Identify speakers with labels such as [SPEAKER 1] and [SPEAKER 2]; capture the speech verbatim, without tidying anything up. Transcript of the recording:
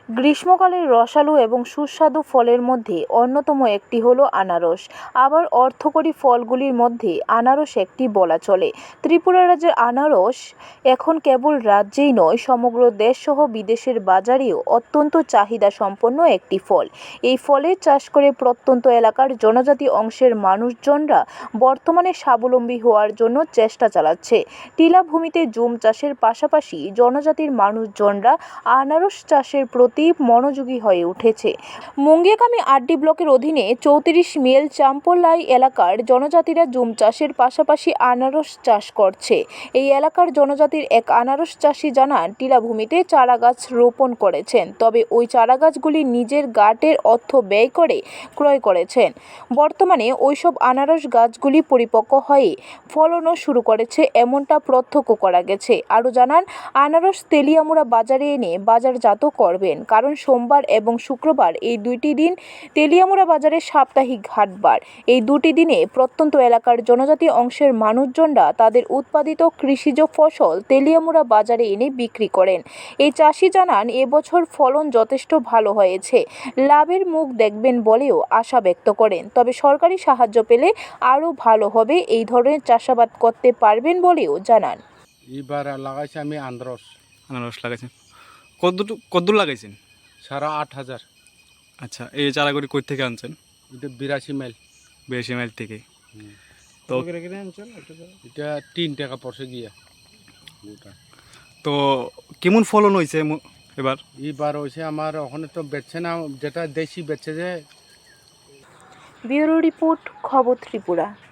[SPEAKER 1] গ্রীষ্মকালের রসালো এবং সুস্বাদু ফলের মধ্যে অন্যতম একটি হলো আনারস। আবার অর্থকরী ফলগুলির মধ্যে আনারস একটি বলা চলে। ত্রিপুরা রাজ্যের আনারস এখন কেবল রাজ্যেই নয়, সমগ্র দেশসহ বিদেশের বাজারেও অত্যন্ত চাহিদা সম্পন্ন একটি ফল। এই ফলের চাষ করে প্রত্যন্ত এলাকার জনজাতি অংশের মানুষজনরা বর্তমানে স্বাবলম্বী হওয়ার জন্য চেষ্টা চালাচ্ছে। টিলা ভূমিতে জুম চাষের পাশাপাশি জনজাতির মানুষজনরা আনারস চাষের প্রতি মনোযোগী হয়ে উঠেছে। মুঙ্গিয়াকামি আরডি ব্লকের অধীনে চৌত্রিশ মেল চাম্পলাই এলাকার জনজাতিরা জুম চাষের পাশাপাশি আনারস চাষ করছে। এই এলাকার জনজাতির এক আনারস চাষি জানান, টিলাভূমিতে চারা গাছ রোপণ করেছেন, তবে ওই চারা গাছগুলি নিজের গাটের অর্থ ব্যয় করে ক্রয় করেছেন। বর্তমানে ওইসব আনারস গাছগুলি পরিপক্ক হয়ে ফলনও শুরু করেছে, এমনটা প্রত্যক্ষ করা গেছে। আরও জানান, আনারস তেলিয়ামুড়া বাজারে এনে বাজারজাত করবেন, কারণ সোমবার এবং শুক্রবার এই দুইটি দিন তেলিয়ামুড়া বাজারের সাপ্তাহিক হাটবার। এই দুটি দিনে প্রত্যন্ত এলাকার জনজাতি অংশের মানুষজনরা তাদের উৎপাদিত কৃষিজ ফসল তেলিয়ামুড়া বাজারে এনে বিক্রি করেন। এই চাষি জানান, এবছর ফলন যথেষ্ট ভালো হয়েছে, লাভের মুখ দেখবেন বলেও আশা ব্যক্ত করেন। তবে সরকারি সাহায্য পেলে আরও ভালো হবে, এই ধরনের চাষাবাদ করতে পারবেন বলেও জানান।
[SPEAKER 2] এবার লাগাইছি আমি আনারস
[SPEAKER 3] আনারস লাগাইছেন, কত কদ্দূর লাগাইছেন?
[SPEAKER 2] সারা আট হাজার।
[SPEAKER 3] আচ্ছা, এই চারাগুলি কই থেকে আনছেন?
[SPEAKER 2] এটা বিরাশি মাইল।
[SPEAKER 3] বিরাশি মাইল থেকে। তো
[SPEAKER 2] এটা তিন টাকা পড়ছে গিয়া।
[SPEAKER 3] তো কেমন ফলন হয়েছে এবার?
[SPEAKER 2] এবার হয়েছে আমার ওখানে তো বেচছে না, যেটা দেশি বেচছে যে।
[SPEAKER 1] ব্যুরো রিপোর্ট, খবর ত্রিপুরা।